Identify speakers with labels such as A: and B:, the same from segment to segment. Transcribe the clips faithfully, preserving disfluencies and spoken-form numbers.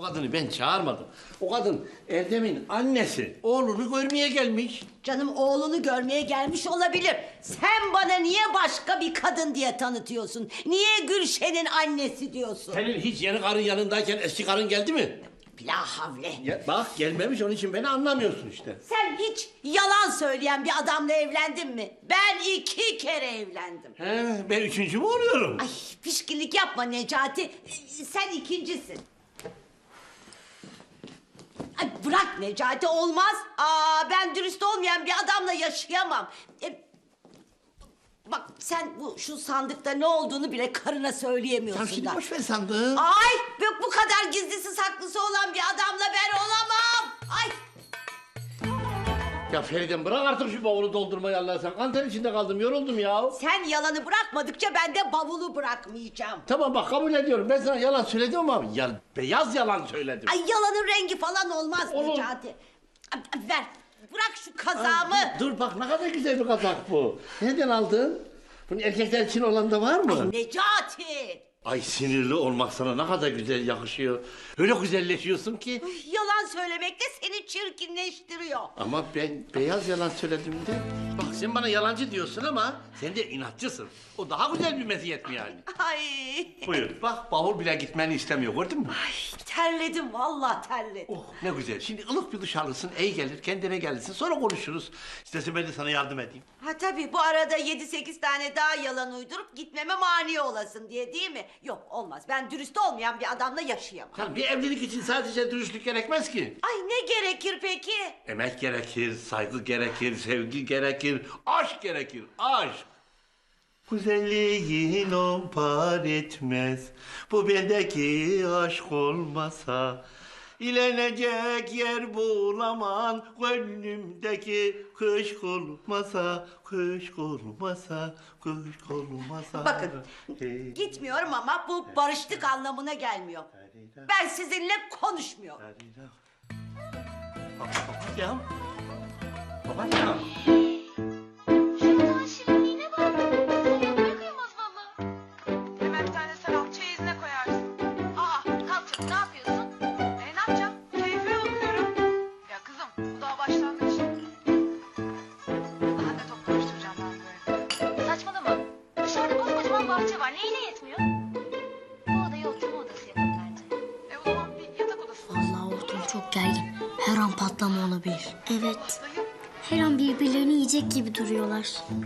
A: kadını ben çağırmadım. O kadın Erdem'in annesi. Oğlunu görmeye gelmiş.
B: Canım oğlunu görmeye gelmiş olabilir. Sen bana niye başka bir kadın diye tanıtıyorsun? Niye Gülşen'in annesi diyorsun?
A: Senin hiç yeni karın yanındayken eski karın geldi mi?
B: La havle.
A: Ya, bak gelmemiş, onun için beni anlamıyorsun işte.
B: Sen hiç yalan söyleyen bir adamla evlendin mi? Ben iki kere evlendim.
A: He, ben üçüncü mü oluyorum?
B: Ay pişkinlik yapma Necati. Sen ikincisin. Ay bırak Necati, olmaz. Aa, ben dürüst olmayan bir adamla yaşayamam. E, bak sen bu şu sandıkta ne olduğunu bile karına söyleyemiyorsun
A: Tamam şimdi
B: da.
A: boş ver sandığı.
B: Ay yok, bu kadar gizlisi saklısı olan bir adamla ben olamam. Ay.
A: Ya Feride bırak artık şu bavulu doldurmayı Allah sen. Kanter içinde kaldım, yoruldum ya.
B: Sen yalanı bırakmadıkça ben de bavulu bırakmayacağım.
A: Tamam bak kabul ediyorum. Ben sana yalan söyledim ama ya, beyaz yalan söyledim.
B: Ay yalanın rengi falan olmaz
A: Olur.
B: Necati. Ay, ver, bırak şu kazağımı.
A: Ay, dur, dur bak ne kadar güzel bir kazak bu. Nereden aldın? Bunun erkekler için olan da var mı?
B: Ay Necati.
A: Ay sinirli olmak sana ne kadar güzel yakışıyor. Öyle güzelleşiyorsun ki.
B: Ay, yalan söylemek de seni çirkinleştiriyor.
A: Ama ben beyaz yalan söyledim de. Bak sen bana yalancı diyorsun ama sen de inatçısın. O daha güzel bir meziyet mi yani?
B: Ay.
A: Buyur bak bavul bile gitmeni istemiyor, gördün mü?
B: Ay terledim, vallahi terledim.
A: Oh ne güzel. Şimdi ılık bir duş alırsın, iyi gelir, kendine gelirsin. Sonra konuşuruz. İstersen ben de sana yardım edeyim.
B: Ha tabii bu arada yedi sekiz tane daha yalan uydurup gitmeme mani olasın diye, değil mi? Yok olmaz, ben dürüst olmayan bir adamla yaşayamam.
A: Yani bir evlilik için sadece dürüstlük gerekmez ki.
B: Ay ne gerekir peki?
A: Emek gerekir, saygı gerekir, sevgi gerekir, aşk gerekir, aşk. Güzelliğin on par etmez, bu bendeki aşk olmasa. İlenecek yer bulamam, gönlümdeki kışk olmasa, kışk olmasa, kışk olmasa.
B: Bakın
A: Hey.
B: gitmiyorum ama bu barıştık anlamına gelmiyor. Ben sizinle konuşmuyorum.
A: Ya. Babacığım.
C: Şuradan şirinliğine bak. Yapmaya kıyamaz valla. Hemen bir tane sarap çeyizine koyarsın. Aa kalk ne yapıyorsun? E ne yapacağım? Keyfime bakıyorum. Ya kızım bu daha başlangıç. Daha ne top karıştıracağım ben böyle. Saçmalama. Dışarıda koskocaman bahçe var. Neyine yetmiyor? Bu odayı oturma odası yapalım bence. E o zaman bir yatak odası.
D: Vallahi ortam çok gergin. Her an patlama olabilir. Evet. Her an birbirlerini yiyecek gibi duruyorlar.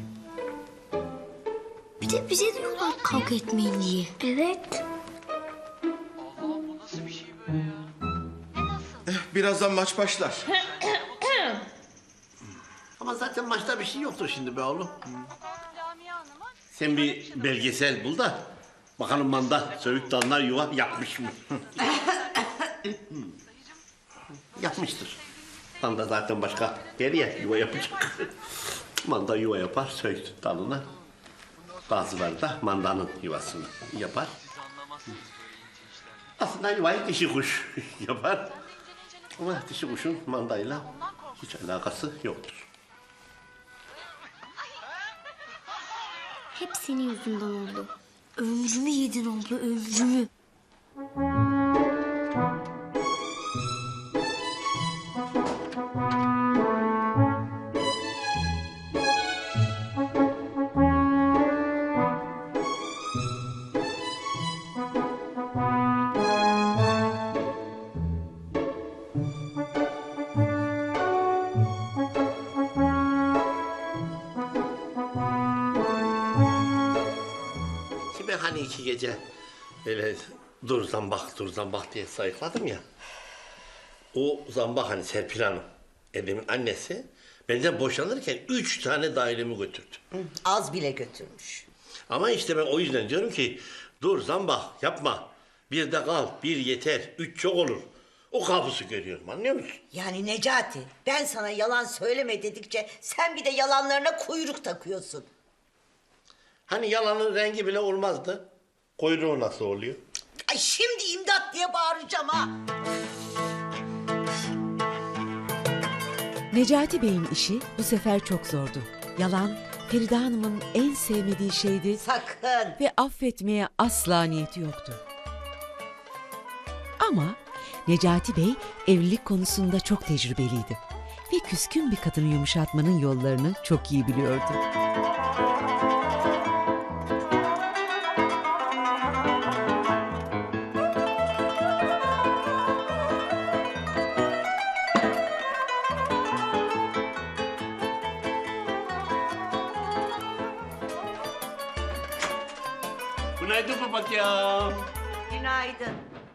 D: Bir de bize diyorlar kavga etmeyin diye. Evet.
C: Allah'ım bu nasıl bir şey böyle ya? Ne nasıl?
E: Birazdan maç başlar.
A: Ama zaten maçta bir şey yoktur şimdi be oğlum.
C: Lamia Hanım'a
A: Sen bir belgesel bul da bakalım manda söğüt dalına yuva yapmış mı? Yapmıştır. Manda zaten başka nereye yuva yapacak? Manda yuva yapar söğüt dalına. Bazıları da mandanın yuvasını yapar. Aslında yuvayı dişi kuş yapar. Ama dişi kuşun mandayla hiç alakası yoktur.
D: Hep senin yüzünden oldu. Ömrümü yedin abla, ömrümü.
A: Şimdi ben hani iki gece böyle dur zambak dur zambak diye sayıkladım ya. O zambak hani Serpil Hanım, Erdem'in annesi, benden boşanırken üç tane dairemi götürdü.
B: Az bile götürmüş.
A: Ama işte ben o yüzden diyorum ki dur zambak yapma. Bir de kal, bir yeter, üç çok olur. O kabusu görüyorum, anlıyor musun?
B: Yani Necati, ben sana yalan söyleme dedikçe sen bir de yalanlarına kuyruk takıyorsun.
A: Hani yalanın rengi bile olmazdı. Kuyruğu nasıl oluyor?
B: Ay şimdi imdat diye bağıracağım ha.
F: Necati Bey'in işi bu sefer çok zordu. Yalan, Feride Hanım'ın en sevmediği şeydi
B: Sakın.
F: ve affetmeye asla niyeti yoktu. Ama Necati Bey evlilik konusunda çok tecrübeliydi ve küskün bir kadını yumuşatmanın yollarını çok iyi biliyordu.
A: Günaydın papatya.
B: Günaydın.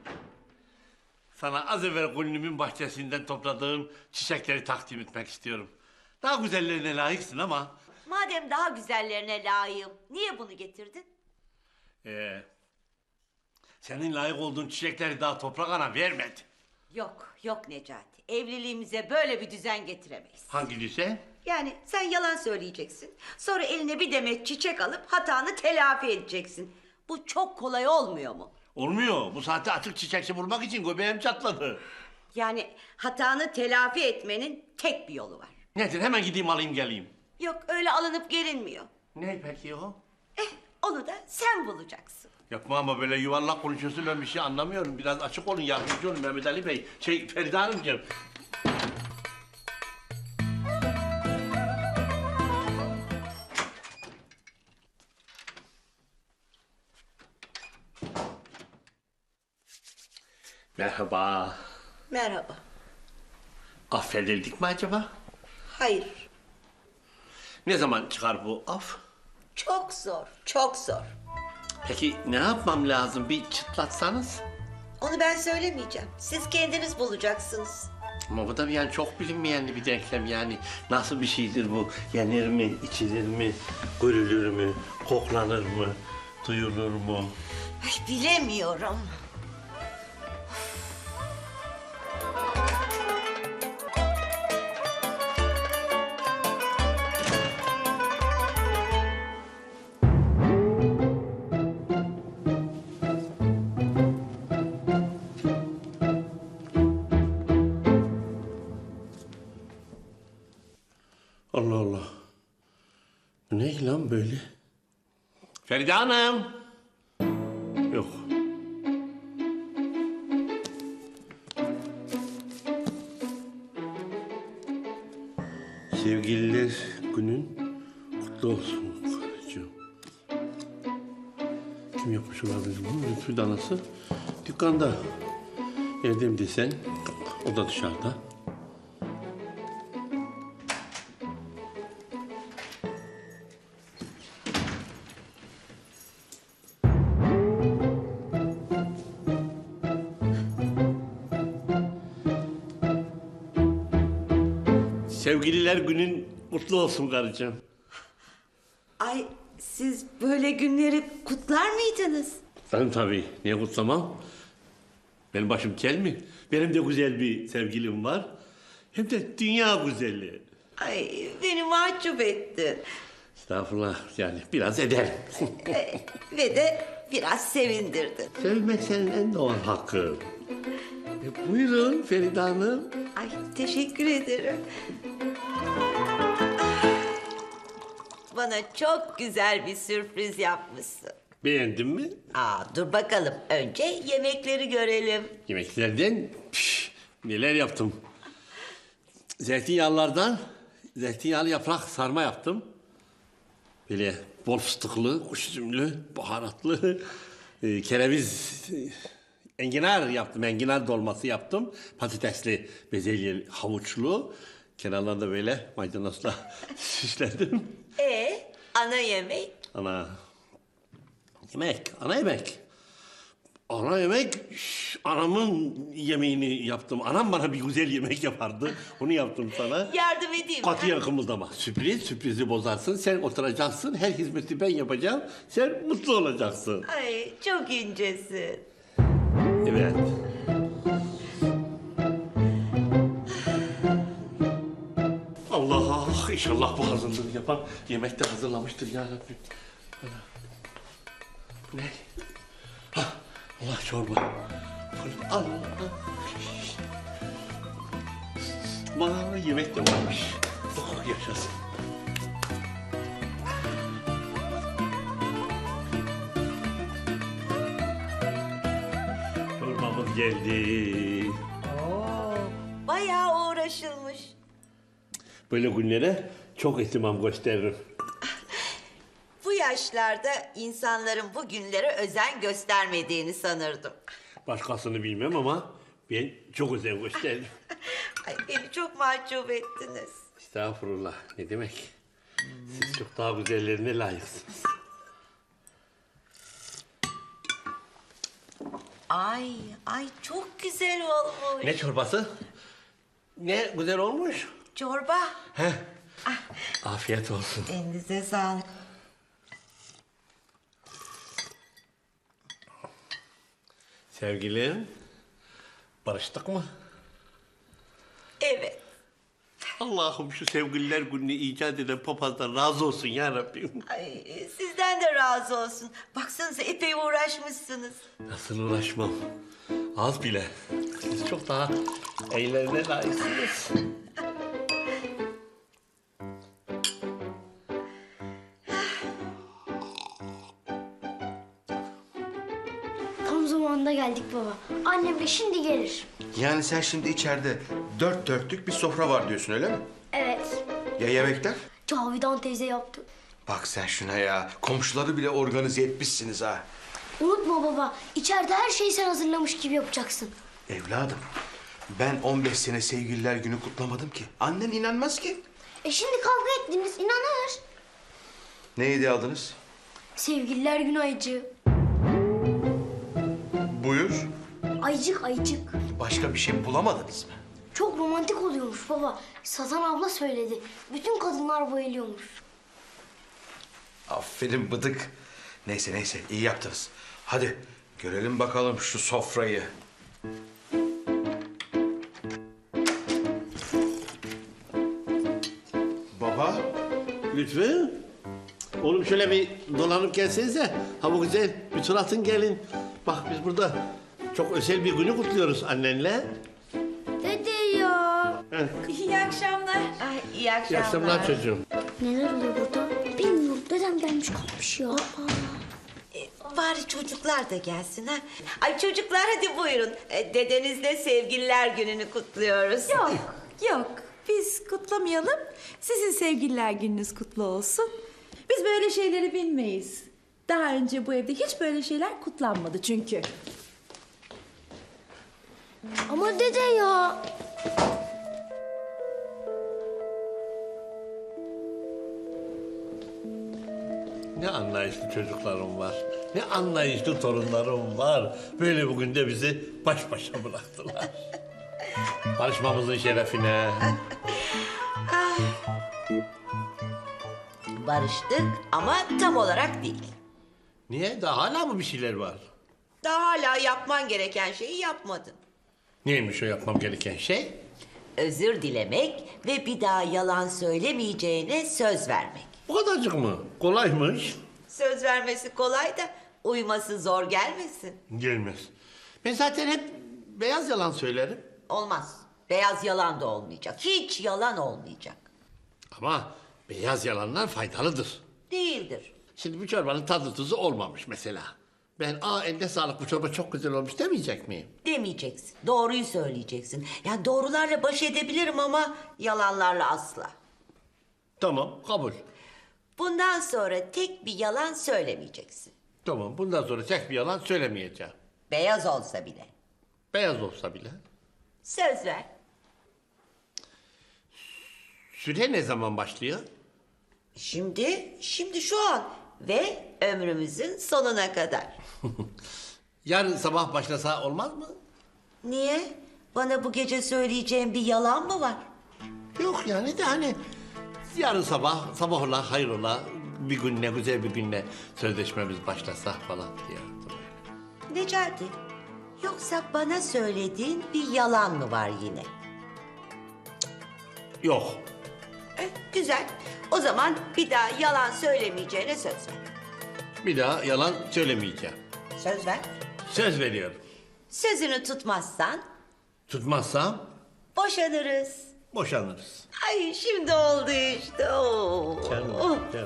A: Sana az evvel gönlümün bahçesinden topladığım çiçekleri takdim etmek istiyorum. Daha güzellerine layıksın ama...
B: Madem daha güzellerine layığım, niye bunu getirdin?
A: Ee, senin layık olduğun çiçekleri daha toprak ana vermedi.
B: Yok, yok Necati. Evliliğimize böyle bir düzen getiremeyiz.
A: Hangi düzen?
B: Yani sen yalan söyleyeceksin. Sonra eline bir demet çiçek alıp hatanı telafi edeceksin. Bu çok kolay olmuyor mu?
A: Olmuyor. Bu saatte açık çiçekçi bulmak için göbeğim çatladı.
B: Yani hatanı telafi etmenin tek bir yolu var.
A: Nedir? Hemen gideyim alayım geleyim.
B: Yok öyle alınıp gelinmiyor.
A: Ne peki o?
B: Eh onu da sen bulacaksın.
A: Yapma ama böyle yuvarlak konuşuyorsun, ben bir şey anlamıyorum. Biraz açık olun, yardımcı olun Mehmet Ali Bey. Şey, Feride Hanımcığım. Merhaba.
B: Merhaba.
A: Affedildik mi acaba?
B: Hayır.
A: Ne zaman çıkar bu af?
B: Çok zor, çok zor.
A: Peki ne yapmam lazım? Bir çıtlatsanız.
B: Onu ben söylemeyeceğim. Siz kendiniz bulacaksınız.
A: Ama bu da yani çok bilinmeyen bir denklem yani. Nasıl bir şeydir bu? Yenir mi, içilir mi, görülür mü, koklanır mı, duyulur mu?
B: Ay bilemiyorum.
A: Allah Allah. Bu ne lan böyle? Feride Hanım. Yok. Sevgililer günün kutlu olsun karıcığım. Kim yapmış olabilir bunu? Lütfü danası. Dükkanda. Evde mi desen? O da dışarıda. Sevgililer günün kutlu olsun karıcığım.
B: Ay siz böyle günleri kutlar mıydınız?
A: Ben tabii. Niye kutlamam? Benim başım kel mi? Benim de güzel bir sevgilim var. Hem de dünya güzeli.
B: Ay beni mahcup ettin.
A: Estağfurullah yani biraz ederim.
B: Ee, ve de biraz sevindirdin.
A: Sevmek senin en doğal hakkın. E, buyurun Feride Hanım.
B: Ay teşekkür ederim. Bana çok güzel bir sürpriz yapmışsın.
A: Beğendin mi?
B: Aa dur bakalım. Önce yemekleri görelim.
A: Yemeklerden piş, neler yaptım. Zeytinyağlılardan zeytinyağlı yaprak sarma yaptım. Böyle bol fıstıklı, kuş üzümlü, baharatlı, e, kereviz, e, enginar yaptım. Enginar dolması yaptım. Patatesli, bezelyeli, havuçlu. Kenarlarında böyle maydanozla süsledim.
B: Ee, ana yemek?
A: Ana yemek, ana yemek. Ana yemek, şş, anamın yemeğini yaptım. Anam bana bir güzel yemek yapardı. Onu yaptım sana.
B: Yardım edeyim mi?
A: Katiyen kımıldama. Sürpriz, sürprizi bozarsın. Sen oturacaksın, her hizmeti ben yapacağım. Sen mutlu olacaksın.
B: Ay çok incesin.
A: Evet. Allah, inşallah bu hazırlığı yapan yemek de hazırlamıştır ya Rabbim. Bu ne? Hah, Allah çorba. Allah. Bana yemek de varmış. Oh yaşasın. Çorbamız geldi. Böyle günlere çok ihtimam gösteririm.
B: Bu yaşlarda insanların bu günlere özen göstermediğini sanırdım.
A: Başkasını bilmem ama ben çok özen gösteririm.
B: Ay, beni çok mahcup ettiniz.
A: Estağfurullah, ne demek? Siz çok daha güzellerine layıksınız.
B: Ay, ay çok güzel olmuş.
A: Ne çorbası? Ne güzel olmuş.
B: Çorba.
A: Heh. Afiyet olsun.
B: Elinize sağlık.
A: Sevgilim, barıştık mı?
B: Evet.
A: Allah'ım şu sevgililer gününü icat eden papazdan razı olsun ya Rabbim.
B: Ay, sizden de razı olsun. Baksanıza epey uğraşmışsınız.
A: Nasıl uğraşmam? Az bile. Siz çok daha eylerine layıksınız.
D: Tam zamanında geldik baba. Annem de şimdi gelir.
E: Yani sen şimdi içeride dört dörtlük bir sofra var diyorsun öyle mi?
D: Evet.
E: Ya yemekler?
D: Cavidan teyze yaptı.
E: Bak sen şuna ya. Komşuları bile organize etmişsiniz ha.
D: Unutma baba. İçeride her şeyi sen hazırlamış gibi yapacaksın.
E: Evladım, ben on beş sene sevgililer günü kutlamadım ki. Annen inanmaz ki.
D: E şimdi kavga ettiniz. İnanır.
E: Ne hediye aldınız?
D: Sevgililer günü ayıcı.
E: Buyur.
D: Ayıcık ayıcık.
E: Başka bir şey bulamadınız mı?
D: Çok romantik oluyormuş baba. Sazan abla söyledi. Bütün kadınlar bayılıyormuş.
E: Aferin bıdık. Neyse neyse iyi yaptınız. Hadi görelim bakalım şu sofrayı. Baba.
A: Lütfü. Oğlum şöyle bir dolanıp gelsenize. Ha bu güzel bir tur atın gelin. Bak biz burada çok özel bir günü kutluyoruz annenle.
D: Dede ya.
B: İyi akşamlar. Ay, iyi
A: İyi
B: akşamlar.
A: akşamlar çocuğum.
D: Neler oluyor burada? Bilmiyorum. Dedem gelmiş kalmış ya.
B: E, bari çocuklar da gelsin ha. Ay çocuklar hadi buyurun. E, dedenizle sevgililer gününü kutluyoruz.
G: Yok, yok. Biz kutlamayalım. Sizin sevgililer gününüz kutlu olsun. Biz böyle şeyleri bilmeyiz. Daha önce bu evde hiç böyle şeyler kutlanmadı çünkü.
D: Ama dede ya.
A: Ne anlayışlı çocuklarım var. Ne anlayışlı torunlarım var. Böyle bugün de bizi baş başa bıraktılar. Barışmamızın şerefine.
B: Barıştık ama tam olarak değil.
A: Niye? Daha hala mı bir şeyler var?
B: Daha hala yapman gereken şeyi yapmadın.
A: Neymiş o yapmam gereken şey?
B: Özür dilemek ve bir daha yalan söylemeyeceğine söz vermek.
A: Bu kadarcık mı? Kolaymış.
B: Söz vermesi kolay da uyması zor gelmesin.
A: Gelmez. Ben zaten hep beyaz yalan söylerim.
B: Olmaz. Beyaz yalan da olmayacak. Hiç yalan olmayacak.
A: Ama beyaz yalanlar faydalıdır.
B: Değildir.
A: Şimdi bu çorbanın tadı tuzu olmamış mesela. Ben aa eline sağlık bu çorba çok güzel olmuş demeyecek miyim?
B: Demeyeceksin. Doğruyu söyleyeceksin. Yani doğrularla baş edebilirim ama yalanlarla asla.
A: Tamam kabul.
B: Bundan sonra tek bir yalan söylemeyeceksin.
A: Tamam bundan sonra tek bir yalan söylemeyeceğim.
B: Beyaz olsa bile.
A: Beyaz olsa bile.
B: Söz ver.
A: Süre ne zaman başlıyor?
B: Şimdi, şimdi şu an ve ömrümüzün sonuna kadar.
A: Yarın sabah başlasa olmaz mı?
B: Niye? Bana bu gece söyleyeceğin bir yalan mı var?
A: Yok yani de hani yarın sabah, sabah ola, hayır ola, bir günle, güzel bir günle sözleşmemiz başlasa falan diye.
B: Necati, yoksa bana söylediğin bir yalan mı var yine?
A: Yok.
B: Eh, güzel. O zaman bir daha yalan söylemeyeceğine söz ver.
A: Bir daha yalan söylemeyeceğim.
B: Söz ver.
A: Söz veriyorum.
B: Sözünü tutmazsan
A: Tutmazsam
B: boşanırız.
A: boşanırız.
B: Ay şimdi oldu işte. Oo.
A: Canım,
B: Oh.
A: canım.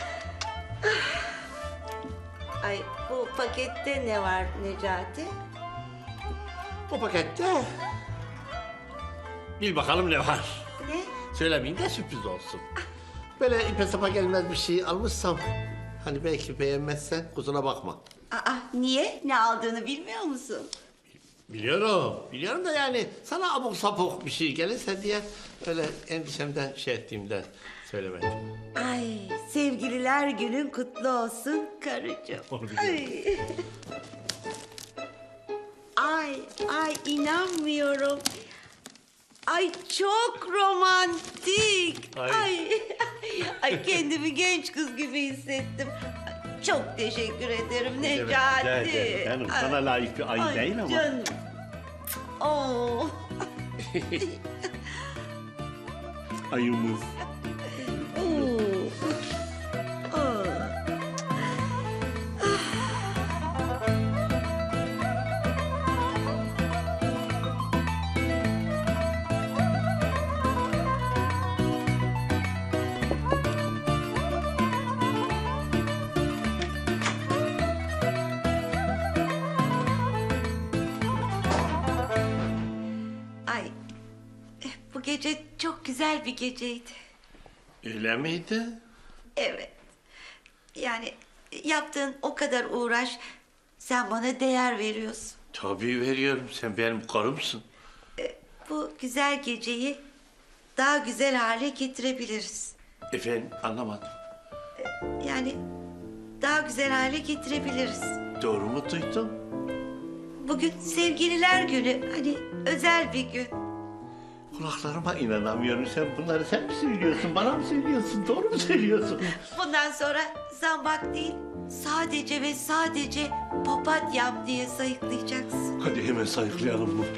B: Ay bu pakette ne var Necati?
A: Bu pakette bil bakalım ne var.
B: Ne?
A: Söylemeyeyim de sürpriz olsun. Böyle ipe sapa gelmez bir şey almışsam... ...hani belki beğenmezsen kusura bakma.
B: Aa, niye? Ne aldığını bilmiyor musun?
A: Biliyorum, biliyorum da yani sana abuk sapuk bir şey gelirse diye... ...öyle endişemden şey ettiğimden söylemedim.
B: Ay, sevgililer günün kutlu olsun karıcığım.
A: Onu biliyorum.
B: Ay. ay, ay inanmıyorum. Ay çok romantik.
A: Ay.
B: Ay, ay kendimi genç kız gibi hissettim. Çok teşekkür ederim Necati.
A: Canım,
B: Ay,
A: sana layık bir ay,
B: ay
A: değil ama.
B: Canım. Oo.
A: Ayımız.
B: Oo. Oo. Ay, eh, bu gece çok güzel bir geceydi.
A: Öyle miydi?
B: Evet. Yani yaptığın o kadar uğraş, sen bana değer veriyorsun.
A: Tabii veriyorum, sen benim karımsın.
B: Bu güzel geceyi daha güzel hale getirebiliriz.
A: Efendim, anlamadım.
B: Yani daha güzel hale getirebiliriz.
A: Doğru mu duydum?
B: Bugün sevgililer günü, hani özel bir gün.
A: Kulaklarıma inanamıyorum. Sen bunları sen mi söylüyorsun? Bana mı söylüyorsun? Doğru mu söylüyorsun?
B: Bundan sonra zambak değil, sadece ve sadece papatyam diye sayıklayacaksın.
A: Hadi hemen sayıklayalım bu.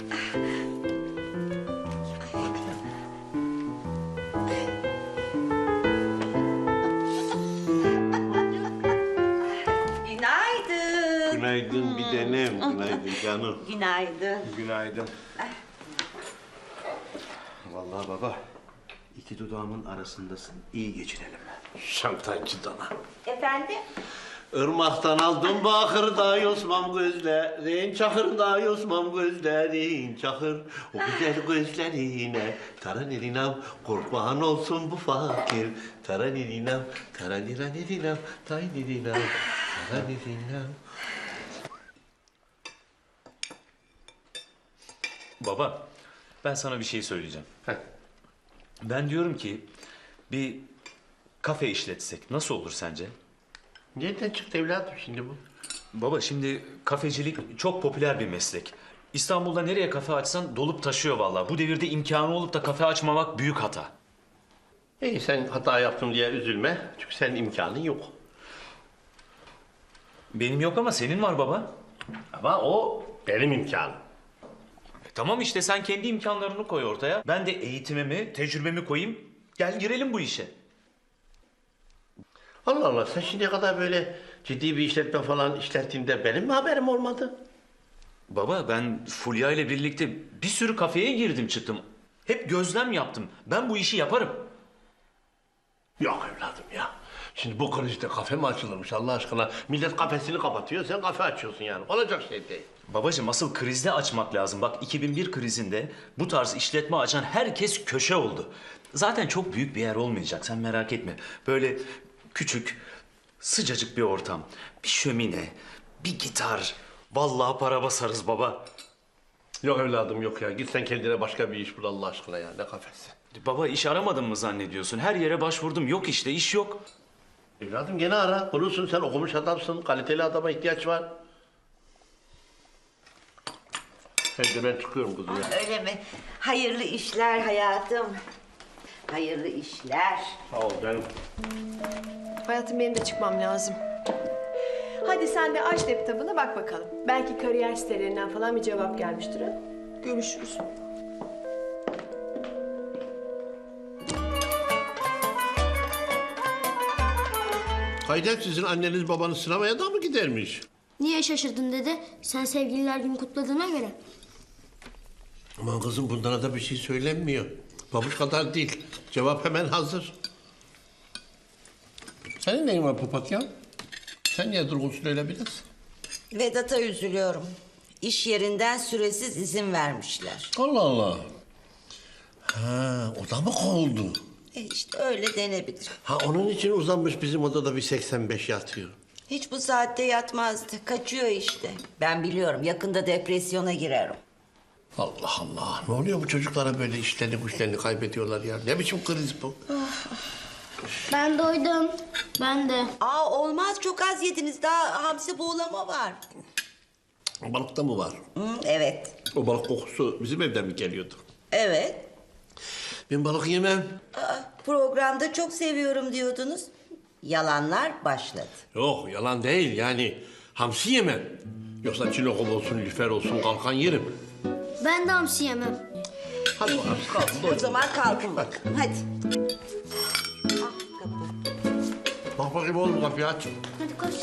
B: Günaydın.
A: Günaydın bir tanem. Günaydın canım.
B: Günaydın.
E: Günaydın. Vallahi baba, iki dudağımın arasındasın. İyi geçinelim.
A: Şantajcı dana.
B: Efendim?
A: Irmaktan aldım bakırda yosmam gözlerin, çakırda yosmam gözlerin, çakır. O güzel gözlerine taranirinam, kurban olsun bu fakir. Taranirinam, taraniranirinam, taynirinam, taranirinam.
H: Baba, ben sana bir şey söyleyeceğim.
A: Heh.
H: Ben diyorum ki bir kafe işletsek nasıl olur sence?
A: Nereden çıktı evladım şimdi bu?
H: Baba şimdi kafecilik çok popüler bir meslek. İstanbul'da nereye kafe açsan dolup taşıyor vallahi. Bu devirde imkanı olup da kafe açmamak büyük hata.
A: İyi sen hata yaptım diye üzülme. Çünkü senin imkanın yok.
H: Benim yok ama senin var baba.
A: Ama o benim imkanım.
H: E, tamam işte sen kendi imkanlarını koy ortaya. Ben de eğitimimi, tecrübemi koyayım. Gel girelim bu işe.
A: Allah Allah sen şimdiye kadar böyle ciddi bir işletme falan işlettiğinde benim mi haberim olmadı?
H: Baba ben Fulya ile birlikte bir sürü kafeye girdim çıktım. Hep gözlem yaptım. Ben bu işi yaparım.
A: Yok evladım ya. Şimdi bu krizde kafe mi açılırmış Allah aşkına? Millet kafesini kapatıyor, sen kafe açıyorsun yani. Olacak şey değil.
H: Babacığım asıl krizde açmak lazım. Bak iki bin bir krizinde bu tarz işletme açan herkes köşe oldu. Zaten çok büyük bir yer olmayacak sen merak etme. Böyle küçük, sıcacık bir ortam. Bir şömine, bir gitar. Vallahi para basarız baba.
A: Yok evladım yok ya. Git sen kendine başka bir iş bul Allah aşkına ya. Ne kafesi?
H: Baba iş aramadın mı zannediyorsun? Her yere başvurdum. Yok işte iş yok.
A: Evladım gene ara. Bulursun sen okumuş adamsın. Kaliteli adama ihtiyaç var. Hadi ben çıkıyorum kızım ya.
B: Öyle mi? Hayırlı işler hayatım. Hayırlı işler.
A: Sağ ol canım.
I: Hayatım benim de çıkmam lazım. Hadi sen de aç laptopuna bak bakalım. Belki kariyer sitelerinden falan bir cevap gelmiştir ha. Görüşürüz.
A: Haydet sizin anneniz babanız sinemaya da mı gidermiş?
D: Niye şaşırdın dede? Sen sevgililer günü kutladığına göre.
A: Aman kızım bunlara da bir şey söylenmiyor. Babuş kadar değil. Cevap hemen hazır. Senin neyin var papatya? Sen niye durgunsun öyle biraz?
B: Vedat'a üzülüyorum. İş yerinden süresiz izin vermişler.
A: Allah Allah. Ha, o da mı kovuldu?
B: E işte öyle denebilir.
A: Ha, onun için uzanmış bizim odada bir seksen beş yatıyor.
B: Hiç bu saatte yatmazdı. Kaçıyor işte. Ben biliyorum yakında depresyona girer o.
A: Allah Allah. Ne oluyor bu çocuklara böyle işlerini güçlerini kaybediyorlar ya? Ne biçim kriz bu?
D: Ben doydum. Ben de.
B: Aa olmaz çok az yediniz. Daha hamsi buğulama var.
A: O balıkta mı var?
B: Hı, evet.
A: O balık kokusu bizim evden mi geliyordu?
B: Evet.
A: Ben balık yemem.
B: Aa, programda çok seviyorum diyordunuz. Yalanlar başladı.
A: Yok yalan değil yani hamsi yemem. Yoksa çinokol olsun, lüfer olsun kalkan yerim.
D: Ben de hamsi yemem.
A: Hadi bakalım kalkın.
B: O zaman kalkın bakın. Hadi. Ah, kapı.
A: Bak bakayım oğlum kapıyı aç.
D: Hadi koş.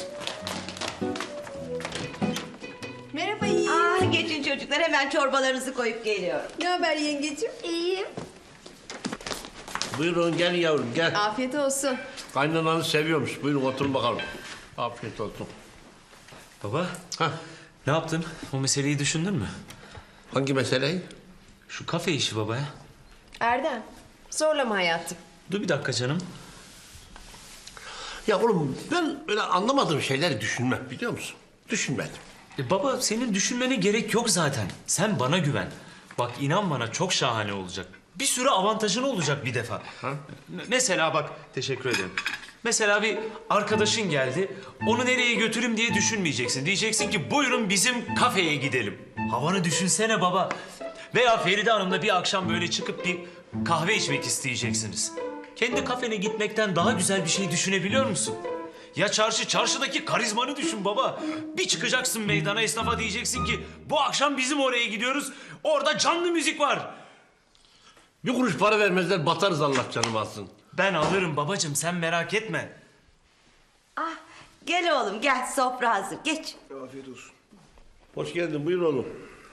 I: Merhaba iyi.
B: Aa, geçin çocuklar hemen çorbalarınızı koyup geliyorum.
I: Ne haber yengeciğim?
D: İyiyim.
A: Buyurun gel yavrum gel.
I: Afiyet olsun.
A: Kaynananı seviyormuş. Buyurun oturun bakalım. Afiyet olsun.
H: Baba,
A: Hah,
H: ne yaptın? O meseleyi düşündün mü?
A: hangi meseleyi?
H: Şu kafe işi baba ya.
I: Erdem, zorlama hayatım.
H: Dur bir dakika canım.
A: Ya oğlum ben öyle anlamadığım şeyleri düşünmem biliyor musun? Düşünmedim.
H: E baba senin düşünmene gerek yok zaten. Sen bana güven. Bak inan bana çok şahane olacak. Bir sürü avantajın olacak bir defa.
A: Ha?
H: M- Mesela bak teşekkür ederim. Mesela bir arkadaşın geldi. Onu nereye götürüm diye düşünmeyeceksin. Diyeceksin ki buyurun bizim kafeye gidelim. Havanı düşünsene baba. Veya Feride Hanım'la bir akşam böyle çıkıp bir kahve içmek isteyeceksiniz. Kendi kafene gitmekten daha güzel bir şey düşünebiliyor musun? Ya çarşı, çarşıdaki karizmanı düşün baba. Bir çıkacaksın meydana esnafa diyeceksin ki bu akşam bizim oraya gidiyoruz. Orada canlı müzik var.
A: Bir kuruş para vermezler batarız Allah canım alsın.
H: Ben alırım babacığım sen merak etme.
B: Ah, gel oğlum gel sofra hazır geç.
A: Hoş geldin buyur oğlum.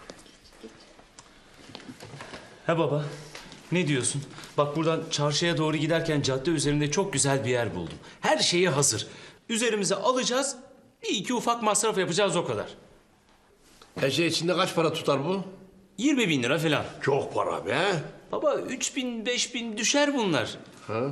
H: He baba ne diyorsun? Bak buradan çarşıya doğru giderken cadde üzerinde çok güzel bir yer buldum. Her şeyi hazır. Üzerimize alacağız. Bir iki ufak masraf yapacağız o kadar.
A: Her şey içinde kaç para tutar bu?
H: yirmi bin lira falan.
A: Çok para be.
H: Baba üç bin beş bin düşer bunlar.
A: Ha?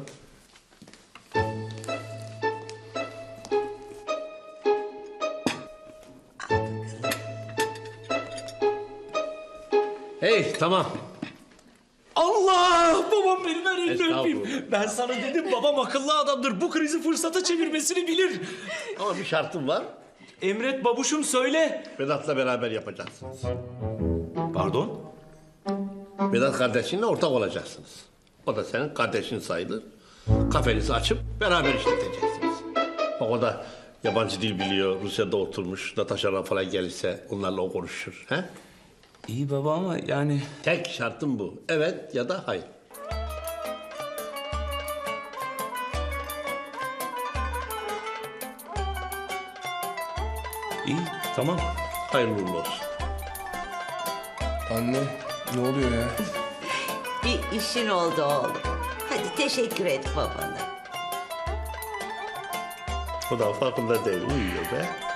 A: Hey tamam.
H: Allah! Babam benim ver elini
A: Estağfurullah.
H: öpeyim. Ben sana dedim babam akıllı adamdır. Bu krizi fırsata çevirmesini bilir.
A: Ama bir şartım var.
H: Emret babuşum söyle.
A: Vedat'la beraber yapacaksınız.
H: Pardon?
A: Vedat kardeşinle ortak olacaksınız. O da senin kardeşin sayılır. Kafenizi açıp beraber işleteceksiniz. Bak o da yabancı dil biliyor. Rusya'da oturmuş. Natasha'la falan gelirse onlarla o konuşur. He?
H: İyi baba ama yani...
A: Tek şartım bu. Evet ya da hayır.
H: İyi tamam.
A: Hayırlı uğurlu olsun.
E: Anne ne oluyor ya?
B: Bir işin oldu oğlum. Hadi teşekkür et babana.
A: O da farkında değil. Uyuyor be.